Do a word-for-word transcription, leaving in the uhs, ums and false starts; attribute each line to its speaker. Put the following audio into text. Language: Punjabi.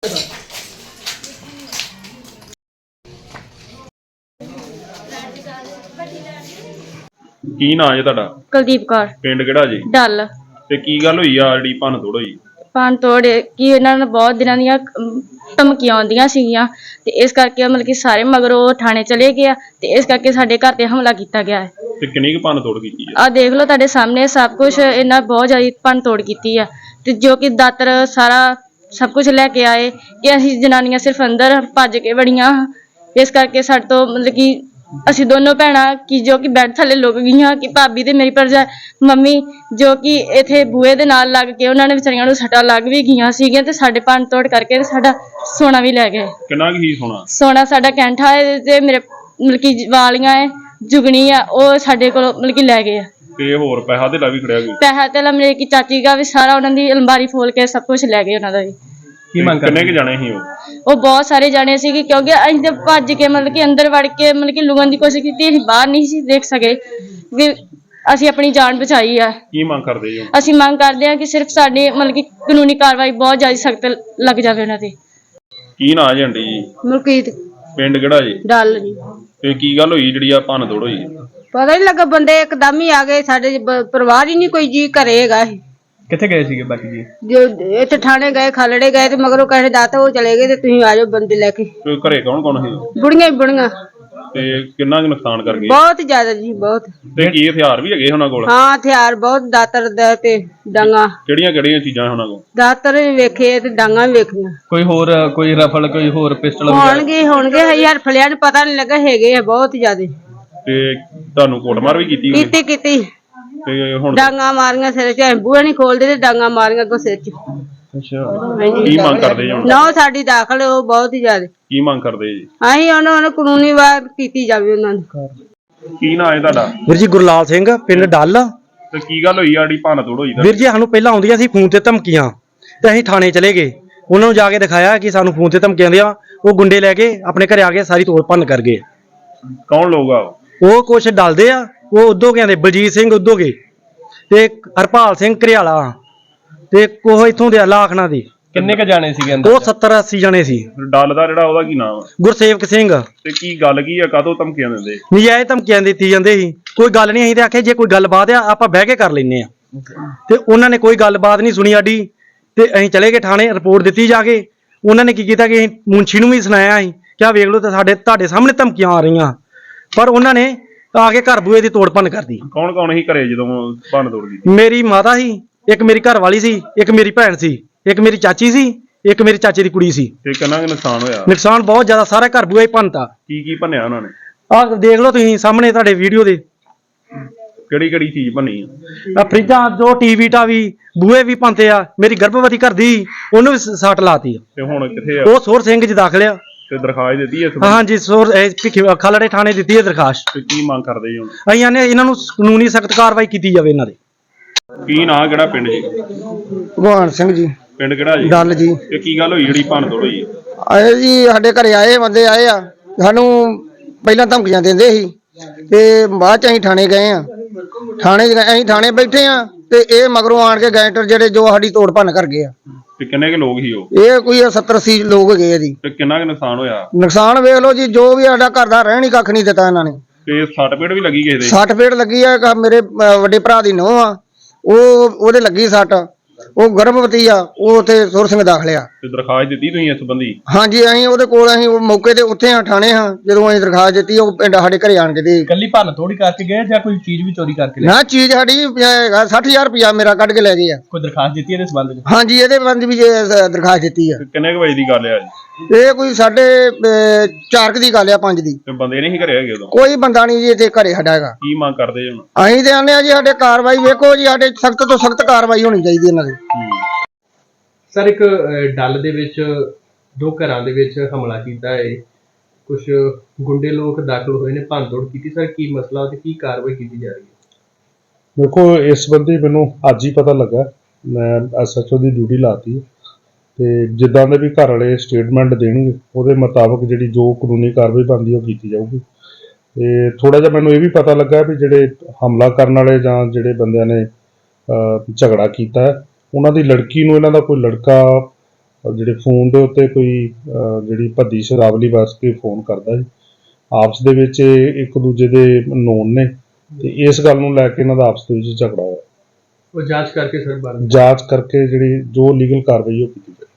Speaker 1: ਕੀ ਨਾਂ ਜੀ ਤੁਹਾਡਾ?
Speaker 2: ਕੁਲਦੀਪ ਕੌਰ।
Speaker 1: ਪਿੰਡ ਕਿਹੜਾ ਜੀ?
Speaker 2: ਡੱਲ।
Speaker 1: ਤੇ ਕੀ ਗੱਲ ਹੋਈ ਆ ਜਿਹੜੀ ਭੰਨ ਤੋੜ ਹੋਈ?
Speaker 2: ਭੰਨ ਤੋੜ ਕਿ ਇਹਨਾਂ ਨੂੰ ਬਹੁਤ ਦਿਨਾਂ ਦੀਆਂ ਧਮਕੀਆਂ ਆਉਂਦੀਆਂ ਸੀਗੀਆਂ ਤੇ ਇਸ ਕਰਕੇ ਮਤਲਬ ਕਿ ਸਾਰੇ ਮਗਰੋਂ ਥਾਣੇ ਚਲੇ ਗਏ ਆ ਤੇ ਇਸ ਕਰਕੇ ਸਾਡੇ ਘਰ ਤੇ ਹਮਲਾ ਕੀਤਾ ਗਿਆ ਹੈ।
Speaker 1: ਤੇ ਕਿੰਨੀ ਕੁ ਭੰਨ ਤੋੜ ਕੀਤੀ ਆ?
Speaker 2: ਆ ਦੇਖ ਲਓ ਤੁਹਾਡੇ ਸਾਹਮਣੇ ਸਭ ਕੁਝ ਇਹਨਾਂ ਬਹੁਤ ਜ਼ਿਆਦਾ ਭੰਨ ਤੋੜ ਕੀਤੀ ਆ ਤੇ ਜੋ ਕਿ ਦਾਤਰ ਸਾਰਾ ਸਭ ਕੁਝ ਲੈ ਕੇ ਆਏ ਕਿ ਅਸੀਂ ਜਨਾਨੀਆਂ ਸਿਰਫ ਅੰਦਰ ਭੱਜ ਕੇ ਵੜੀਆਂ ਇਸ ਕਰਕੇ ਸਾਡੇ ਤੋਂ ਮਤਲਬ ਕਿ ਅਸੀਂ ਦੋਨੋਂ ਭੈਣਾਂ ਕਿ ਜੋ ਕਿ ਬੈੱਡ ਥੱਲੇ ਲੁਕ ਗਈਆਂ ਕਿ ਭਾਬੀ ਤੇ ਮੇਰੀ ਭਰਜਾ ਮੰਮੀ ਜੋ ਕਿ ਇੱਥੇ ਬੂਹੇ ਦੇ ਨਾਲ ਲੱਗ ਕੇ ਉਹਨਾਂ ਨੇ ਵਿਚਾਰੀਆਂ ਨੂੰ ਸੱਟਾਂ ਲੱਗ ਵੀ ਗਈਆਂ ਸੀਗੀਆਂ ਤੇ ਸਾਡੇ ਭੰਨ ਤੋੜ ਕਰਕੇ ਤੇ ਸਾਡਾ ਸੋਨਾ ਵੀ ਲੈ ਗਏ।
Speaker 1: ਕਿੰਨਾ ਕੀ ਸੋਨਾ? ਸੋਨਾ
Speaker 2: ਸਾਡਾ ਕੈਂਠਾ ਹੈ ਤੇ ਮੇਰੇ ਮਤਲਬ ਕਿ ਵਾਲੀਆਂ ਹੈ ਜੁਗਣੀ ਆ ਉਹ ਸਾਡੇ ਕੋਲ ਮਤਲਬ ਕਿ ਲੈ ਗਏ ਆ।
Speaker 1: ਤੇ ਹੋਰ ਪੈਸਾ ਤੇ ਲਾ ਵੀ ਖੜਿਆ ਕੋਈ?
Speaker 2: ਪੈਸਾ ਤੇ ਲਾ ਮੇਰੇ ਕੀ ਚਾਚੀ ਦਾ ਵੀ ਸਾਰਾ ਉਹਨਾਂ ਦੀ ਅਲਮਾਰੀ ਫੋਲ ਕੇ ਸਭ ਕੁਝ ਲੈ ਗਏ ਉਹਨਾਂ ਦਾ ਵੀ।
Speaker 1: ਕੀ ਮੰਗ ਕਿੰਨੇ ਕੁ ਜਾਣੇ ਸੀ ਉਹ?
Speaker 2: ਉਹ ਬਹੁਤ ਸਾਰੇ ਜਾਣੇ ਸੀਗੇ ਕਿਉਂਕਿ ਅਸੀਂ ਤੇ ਭੱਜ ਕੇ ਮਤਲਬ ਕਿ ਅੰਦਰ ਵੜ ਕੇ ਮਤਲਬ ਕਿ ਲੁਕਣ ਦੀ ਕੋਸ਼ਿਸ਼ ਕੀਤੀ ਅਸੀਂ ਬਾਹਰ ਨਹੀਂ ਸੀ ਦੇਖ ਸਕੇ ਵੀ ਅਸੀਂ ਆਪਣੀ ਜਾਨ ਬਚਾਈ ਆ।
Speaker 1: ਕੀ ਮੰਗ ਕਰਦੇ ਜੀ? ਅਸੀਂ
Speaker 2: ਮੰਗ ਕਰਦੇ ਹਾਂ ਕਿ ਸਿਰਫ ਸਾਡੇ ਮਤਲਬ ਕਿ ਕਾਨੂੰਨੀ ਕਾਰਵਾਈ ਬਹੁਤ ਜ਼ਿਆਦਾ ਸਖਤ ਲੱਗ ਜਾਵੇ ਉਹਨਾਂ ਤੇ।
Speaker 1: ਕੀ ਨਾਂ ਜੀ ਆਂਟੀ ਜੀ?
Speaker 3: ਮਲਕੀਤ।
Speaker 1: ਪਿੰਡ ਕਿਹੜਾ ਜੀ?
Speaker 3: ਡੱਲ ਜੀ।
Speaker 1: ਤੇ ਕੀ ਗੱਲ ਹੋਈ ਜਿਹੜੀ ਆ ਭੰਨ ਤੋੜ ਹੋਈ?
Speaker 3: ਪਤਾ ਨਹੀਂ ਲੱਗਾ ਬੰਦੇ ਇੱਕਦਮ ਹੀ ਆ ਗਏ ਸਾਡੇ ਪਰਿਵਾਰ ਹੀ ਨਹੀਂ ਕੋਈ ਜੀ ਘਰੇ ਹੈਗਾ।
Speaker 1: ਕਿੱਥੇ ਗਏ ਸੀਗੇ ਬਾਕੀ ਜੀ?
Speaker 3: ਜੋ ਇੱਥੇ ਥਾਣੇ ਗਏ ਖਲੜੇ ਗਏ ਤੇ ਮਗਰੋਂ ਕਹੇ ਦਾਤਾ ਉਹ ਚਲੇ ਗਏ ਤੇ ਤੁਸੀਂ ਆ ਜਾਓ ਬੰਦੇ ਲੈ ਕੇ।
Speaker 1: ਤੇ ਘਰੇ ਕੌਣ ਕੌਣ ਸੀ?
Speaker 3: ਬੁੜੀਆਂ ਹੀ ਬੁੜੀਆਂ।
Speaker 1: ਤੇ ਕਿੰਨਾ ਕੁ ਨੁਕਸਾਨ ਕਰ ਗਏ?
Speaker 3: ਬਹੁਤ ਜ਼ਿਆਦਾ ਜੀ ਬਹੁਤ।
Speaker 1: ਤੇ ਕੀ ਹਥਿਆਰ ਵੀ ਹੈਗੇ ਉਹਨਾਂ ਕੋਲ?
Speaker 3: ਹਾਂ ਹਥਿਆਰ ਬਹੁਤ ਦਾਤਰ ਦਾ ਤੇ ਡਾਂਗਾ।
Speaker 1: ਕਿਹੜੀਆਂ ਕਿਹੜੀਆਂ ਚੀਜ਼ਾਂ ਉਹਨਾਂ ਕੋਲ?
Speaker 3: ਦਾਤਰ ਵੀ ਵੇਖੇ ਤੇ ਡਾਂਗਾ ਵੀ ਵੇਖੀਆਂ।
Speaker 1: ਕੋਈ ਹੋਰ ਕੋਈ ਰਫਲ ਕੋਈ ਹੋਰ ਪਿਸਟਲ
Speaker 3: ਹੋਣਗੇ ਹੋਣਗੇ ਯਾਰ ਫਲਿਆਂ ਨੂੰ ਪਤਾ ਨਹੀਂ ਲੱਗਾ ਹੈਗੇ ਆ ਬਹੁਤ ਜ਼ਿਆਦਾ।
Speaker 1: ਤੇ ਤੁਹਾਨੂੰ ਕੁੱਟਮਾਰ ਵੀ ਕੀਤੀ?
Speaker 3: ਕੀਤੀ ਕੀਤੀ।
Speaker 1: ਤੇ ਹੁਣ
Speaker 3: ਡਾਂਗਾ ਮਾਰੀਆਂ ਸਿਰ ਚ ਬੂਹੇ ਨਹੀਂ ਖੋਲਦੇ ਤੇ ਡਾਂਗਾ ਮਾਰੀਆਂ ਅੱਗੋਂ ਸਿਰ ਚ।
Speaker 1: ਅੱਛਾ ਕੀ ਮੰਗ ਕਰਦੇ ਜੀ?
Speaker 3: ਨਾ ਸਾਡੀ ਦਾਖਲ ਉਹ ਬਹੁਤ ਹੀ ਜ਼ਿਆਦਾ।
Speaker 1: ਕੀ ਮੰਗ ਕਰਦੇ ਜੀ?
Speaker 3: ਅਸੀਂ ਉਹਨਾਂ ਨੂੰ ਕਾਨੂੰਨੀ ਵਾਰ ਕੀਤੀ ਜਾਵੇ ਉਹਨਾਂ ਨੂੰ।
Speaker 1: ਕੀ ਨਾਂ ਹੈ ਤੁਹਾਡਾ?
Speaker 4: ਵੀਰ ਜੀ ਗੁਰਲਾਲ ਸਿੰਘ ਪਿੰਡ ਡੱਲ।
Speaker 1: ਤੇ ਕੀ ਗੱਲ ਹੋਈ ਆ ਜਿਹੜੀ ਭੰਨ ਤੋੜ ਹੋਈ?
Speaker 4: ਵੀਰ ਜੀ ਸਾਨੂੰ ਪਹਿਲਾਂ ਆਉਂਦੀਆਂ ਸੀ ਫੋਨ ਤੇ ਧਮਕੀਆਂ ਤੇ ਅਸੀਂ ਥਾਣੇ ਚਲੇ ਗਏ ਉਹਨਾਂ ਨੂੰ ਜਾ ਕੇ ਦਿਖਾਇਆ ਕਿ ਸਾਨੂੰ ਫੋਨ ਤੇ ਧਮਕੀਆਂ ਦਿਆਂ ਉਹ ਗੁੰਡੇ ਲੈ ਕੇ ਆਪਣੇ ਘਰੇ ਆ ਕੇ ਸਾਰੀ ਤੋੜ ਭੰਨ ਕਰ ਗਏ।
Speaker 1: ਕੌਣ ਲੋਕ ਆ
Speaker 4: ਉਹ ਕੁਛ ਡਲਦੇ ਆ ਉਹ ਉਦੋਂ ਕਹਿੰਦੇ ਬਲਜੀਤ ਸਿੰਘ ਉਦੋਂ ਗਏ ਤੇ ਹਰਪਾਲ ਸਿੰਘ ਘਰਿਆਲਾ ਤੇ ਕੋਹ ਇੱਥੋਂ ਦੇ ਲਾਖਣਾ ਦੇ।
Speaker 1: ਕਿੰਨੇ ਕ ਜਾਣੇ ਸੀਗੇ
Speaker 4: ਉਹ ਸੱਤਰ ਅੱਸੀ ਜਣੇ ਸੀ।
Speaker 1: ਡੱਲ ਦਾ ਜਿਹੜਾ ਉਹਦਾ ਕੀ ਨਾਮ?
Speaker 4: ਗੁਰਸੇਵਕ ਸਿੰਘ।
Speaker 1: ਤੇ ਕੀ ਗੱਲ ਕੀ ਆ ਕਾਹਤੋਂ ਧਮਕੀਆਂ ਦਿੰਦੇ?
Speaker 4: ਨਜਾਇਜ਼ ਧਮਕੀਆਂ ਦਿੱਤੀ ਜਾਂਦੇ ਸੀ ਕੋਈ ਗੱਲ ਨਹੀਂ ਅਸੀਂ ਤੇ ਆਖਿਆ ਜੇ ਕੋਈ ਗੱਲਬਾਤ ਆ ਆਪਾਂ ਬਹਿ ਕੇ ਕਰ ਲੈਨੇ ਆ ਤੇ ਉਹਨਾਂ ਨੇ ਕੋਈ ਗੱਲਬਾਤ ਨਹੀਂ ਸੁਣੀ ਸਾਡੀ ਤੇ ਅਸੀਂ ਚਲੇ ਗਏ ਥਾਣੇ ਰਿਪੋਰਟ ਦਿੱਤੀ ਜਾ ਕੇ। ਉਹਨਾਂ ਨੇ ਕੀ ਕੀਤਾ ਕਿ ਮੁੰਸ਼ੀ ਨੂੰ ਵੀ ਸੁਣਾਇਆ ਅਸੀਂ ਕਿ ਆ ਵੇਖ ਲਓ ਤੇ ਸਾਡੇ ਤੁਹਾਡੇ ਸਾਹਮਣੇ ਧਮਕੀਆਂ ਆ ਰਹੀਆਂ ਪਰ ਉਹਨਾਂ ਨੇ ਆ ਕੇ ਘਰ ਬੂਏ ਦੀ ਤੋੜ ਭੰਨ ਕਰਦੀ।
Speaker 1: ਕੌਣ ਕੌਣ ਸੀ ਘਰੇ ਜਦੋਂ ਭੰਨ ਤੋੜ ਕੀਤੀ?
Speaker 4: ਮੇਰੀ ਮਾਤਾ ਸੀ, ਇੱਕ ਮੇਰੀ ਘਰ ਵਾਲੀ ਸੀ, ਇੱਕ ਮੇਰੀ ਭੈਣ ਸੀ, ਇੱਕ ਮੇਰੀ ਚਾਚੀ ਸੀ, ਇੱਕ ਮੇਰੀ ਚਾਚੇ ਦੀ ਕੁੜੀ ਸੀ।
Speaker 1: ਤੇ ਕਿੰਨਾ ਕੁ ਨੁਕਸਾਨ ਹੋਇਆ?
Speaker 4: ਨੁਕਸਾਨ ਬਹੁਤ ਜ਼ਿਆਦਾ ਸਾਰਾ ਘਰ ਬੂਆ ਹੀ ਭੰਨਤਾ।
Speaker 1: ਕੀ ਕੀ ਭੰਨਿਆ ਉਹਨਾਂ ਨੇ?
Speaker 4: ਆਹ ਦੇਖ ਲਓ ਤੁਸੀਂ ਸਾਹਮਣੇ ਤੁਹਾਡੇ ਵੀਡੀਓ ਦੇ।
Speaker 1: ਕਿਹੜੀ ਕਿਹੜੀ ਚੀਜ਼ ਭੰਨੀ ਆ?
Speaker 4: ਆ ਫਰਿੱਜਾਂ ਜੋ ਟੀਵੀ ਟਾਵੀ ਬੂਹੇ ਵੀ ਭੰਨਤੇ ਆ। ਮੇਰੀ ਗਰਭਵਤੀ ਘਰ ਦੀ ਉਹਨੂੰ ਵੀ ਸੱਟ ਲਾਤੀ।
Speaker 1: ਤੇ ਹੁਣ ਕਿੱਥੇ ਆ
Speaker 4: ਉਹ ਸੋਰ ਸਿੰਘ ਜੀ ਦਾਖਲ ਆ।
Speaker 1: ਤੇ ਦਰਖਾਸਤ ਦਿੱਤੀ ਹੈ?
Speaker 4: ਹਾਂਜੀ ਸੋਰ ਖਲੜੇ ਥਾਣੇ ਦਿੱਤੀ ਹੈ ਦਰਖਾਸਤ।
Speaker 1: ਤੇ ਕੀ ਮੰਗ ਕਰਦੇ ਜੀ ਹੁਣ?
Speaker 4: ਅਸੀਂ ਆਨੇ ਇਹਨਾਂ ਨੂੰ ਕਾਨੂੰਨੀ ਸਖਤ ਕਾਰਵਾਈ ਕੀਤੀ ਜਾਵੇ ਇਹਨਾਂ ਦੇ।
Speaker 1: ਕੀ ਨਾਂ ਕਿਹੜਾ ਪਿੰਡ ਜੀ?
Speaker 5: ਭਗਵਾਨ ਸਿੰਘ ਜੀ।
Speaker 1: ਪਿੰਡ ਕਿਹੜਾ ਜੀ?
Speaker 5: ਡੱਲ ਜੀ।
Speaker 1: ਤੇ ਕੀ ਗੱਲ ਹੋਈ ਜਿਹੜੀ ਭੰਨ ਤੋੜ ਹੋਈ?
Speaker 5: ਆਏ ਜੀ ਸਾਡੇ ਘਰੇ ਆਏ ਬੰਦੇ ਆਏ ਆ ਸਾਨੂੰ ਪਹਿਲਾਂ ਧਮਕੀਆਂ ਦਿੰਦੇ ਸੀ ਤੇ ਬਾਅਦ ਚ ਅਸੀਂ ਥਾਣੇ ਗਏ ਆ। ਥਾਣੇ ਅਸੀਂ ਥਾਣੇ ਬੈਠੇ ਆ ਤੇ ਇਹ ਮਗਰੋਂ ਆਣ ਕੇ ਗੈਂਟਰ ਜਿਹੜੇ ਜੋ ਸਾਡੀ ਤੋੜ ਭੰਨ ਕਰ ਗਏ ਆ।
Speaker 1: ਤੇ ਕਿੰਨੇ ਕੁ ਲੋਕ ਸੀ ਉਹ?
Speaker 5: ਇਹ ਕੋਈ ਸੱਤਰ ਅੱਸੀ ਲੋਕ ਹੈਗੇ ਆ ਜੀ।
Speaker 1: ਤੇ ਕਿੰਨਾ ਕੁ ਨੁਕਸਾਨ ਹੋਇਆ?
Speaker 5: ਨੁਕਸਾਨ ਵੇਖ ਲਓ ਜੀ ਜੋ ਵੀ ਸਾਡਾ ਘਰ ਦਾ ਰਹਿਣ ਹੀ ਕੱਖ ਨਹੀਂ ਦਿੱਤਾ ਇਹਨਾਂ ਨੇ।
Speaker 1: ਤੇ ਸੱਟ ਪੇਟ ਵੀ ਲੱਗੀ ਕਿਸੇ ਦੇ?
Speaker 5: ਸੱਟ ਫੇਟ ਲੱਗੀ ਆ ਮੇਰੇ ਵੱਡੇ ਭਰਾ ਦੀ ਨੂੰਹ ਆ ਉਹ ਉਹਦੇ ਲੱਗੀ ਸੱਟ ਉਹ ਗਰਭਵਤੀ ਆ ਉਹ ਉੱਥੇ ਸੁਰ ਸਿੰਘ ਦਾਖਲ ਆ।
Speaker 1: ਤੇ ਦਰਖਾਸਤ ਦਿੱਤੀ ਤੁਸੀਂ ਇਸ ਸੰਬੰਧੀ?
Speaker 5: ਹਾਂਜੀ ਅਸੀਂ ਉਹਦੇ ਕੋਲ ਅਸੀਂ ਉਹ ਮੌਕੇ ਤੇ ਉੱਥੇ ਆ ਥਾਣੇ ਹਾਂ ਜਦੋਂ ਅਸੀਂ ਦਰਖਾਸਤ ਦਿੱਤੀ ਉਹ ਪਿੰਡ ਸਾਡੇ ਘਰੇ ਆਣ ਕੇ ਦੇ।
Speaker 6: ਕੱਲੀ ਭੰਨ ਥੋੜੀ ਕਰਕੇ ਗਏ ਜਾਂ ਕੋਈ ਚੀਜ਼ ਵੀ ਚੋਰੀ ਕਰਕੇ ਲੈ?
Speaker 5: ਨਾ ਚੀਜ਼ ਸਾਡੀ ਸੱਠ ਹਜ਼ਾਰ ਰੁਪਇਆ ਮੇਰਾ ਕੱਢ ਕੇ ਲੈ ਗਏ ਆ।
Speaker 6: ਕੋਈ ਦਰਖਾਸਤ ਦਿੱਤੀ ਇਹਦੇ ਸੰਬੰਧ ਵਿੱਚ?
Speaker 5: ਹਾਂਜੀ ਇਹਦੇ ਸੰਬੰਧ ਵੀ ਦਰਖਾਸਤ ਦਿੱਤੀ ਆ।
Speaker 1: ਕਿੰਨੇ ਕੁ ਵਜੇ ਦੀ ਗੱਲ ਆ ਜੀ?
Speaker 5: ਇਹ ਕੋਈ ਸਾਡੇ ਚਾਰ ਕੁ ਦੀ ਗੱਲ ਆ ਪੰਜ ਦੀ।
Speaker 1: ਤੇ ਬੰਦੇ ਨਹੀਂ ਘਰੇ ਹੈਗੇ ਉਦੋਂ?
Speaker 5: ਕੋਈ ਬੰਦਾ ਨਹੀਂ ਜੀ ਇੱਥੇ ਘਰੇ ਸਾਡਾ ਹੈਗਾ।
Speaker 1: ਕੀ ਮੰਗ ਕਰਦੇ ਹੁਣ?
Speaker 5: ਅਸੀਂ ਤੇ ਆਨੇ ਆ ਜੀ ਸਾਡੇ ਕਾਰਵਾਈ ਵੇਖੋ ਜੀ ਸਾਡੇ ਸਖਤ ਤੋਂ ਸਖਤ ਕਾਰਵਾਈ ਹੋਣੀ ਚਾਹੀਦੀ ਇਹਨਾਂ ਦੀ।
Speaker 6: ਸਰ ਇੱਕ ਡੱਲ ਦੇ ਵਿੱਚ ਦੋ ਘਰਾਂ ਦੇ ਵਿੱਚ ਹਮਲਾ ਕੀਤਾ ਹੈ, ਕੁਝ ਗੁੰਡੇ ਲੋਕ ਦਾਖਲ ਹੋਏ ਨੇ, ਭੰਨ ਤੋੜ ਕੀਤੀ। ਸਰ ਕੀ ਮਸਲਾ ਤੇ ਕੀ ਕਾਰਵਾਈ ਕੀਤੀ ਜਾ ਰਹੀ ਹੈ?
Speaker 7: ਦੇਖੋ ਇਸ ਸੰਬੰਧੀ ਮੈਨੂੰ ਅੱਜ ਹੀ ਪਤਾ ਲੱਗਾ। ਮੈਂ ਐਸ ਐਚ ਓ ਦੀ ਡਿਊਟੀ ਲਾਤੀ ਤੇ ਜਿੱਦਾਂ ਦੇ ਵੀ ਘਰ ਵਾਲੇ ਸਟੇਟਮੈਂਟ ਦੇਣਗੇ ਉਹਦੇ ਮੁਤਾਬਕ ਜਿਹੜੀ ਜੋ ਕਾਨੂੰਨੀ ਕਾਰਵਾਈ ਬਣਦੀ ਉਹ ਕੀਤੀ ਜਾਊਗੀ। ਤੇ ਥੋੜਾ ਜਿਹਾ ਮੈਨੂੰ ਇਹ ਵੀ ਪਤਾ ਲੱਗਾ ਵੀ ਜਿਹੜੇ ਹਮਲਾ ਕਰਨ ਵਾਲੇ ਜਾਂ ਜਿਹੜੇ ਬੰਦਿਆਂ ਨੇ ਝਗੜਾ ਕੀਤਾ ਉਹਨਾਂ ਦੀ ਲੜਕੀ ਨੂੰ ਇਹਨਾਂ ਦਾ ਕੋਈ ਲੜਕਾ ਔਰ ਜਿਹੜੇ ਫੋਨ ਦੇ ਉੱਤੇ ਕੋਈ ਅਹ, ਜਿਹੜੀ ਭੱਦੀ ਸ਼ਰਾਵਲੀ ਵਰਤ ਕੇ ਫੋਨ ਕਰਦਾ ਜੀ। ਆਪਸ ਦੇ ਵਿੱਚ ਇਹ ਇੱਕ ਦੂਜੇ ਦੇ ਨੋਨ ਨੇ ਤੇ ਇਸ ਗੱਲ ਨੂੰ ਲੈ ਕੇ ਇਹਨਾਂ ਦਾ ਆਪਸ ਦੇ ਵਿੱਚ ਝਗੜਾ ਹੋਇਆ।
Speaker 6: ਉਹ ਜਾਂਚ ਕਰਕੇ ਸਰ ਬਾਰੇ
Speaker 7: ਜਾਂਚ ਕਰਕੇ ਜਿਹੜੀ ਜੋ ਲੀਗਲ ਕਾਰਵਾਈ ਉਹ ਕੀਤੀ ਜਾਏ।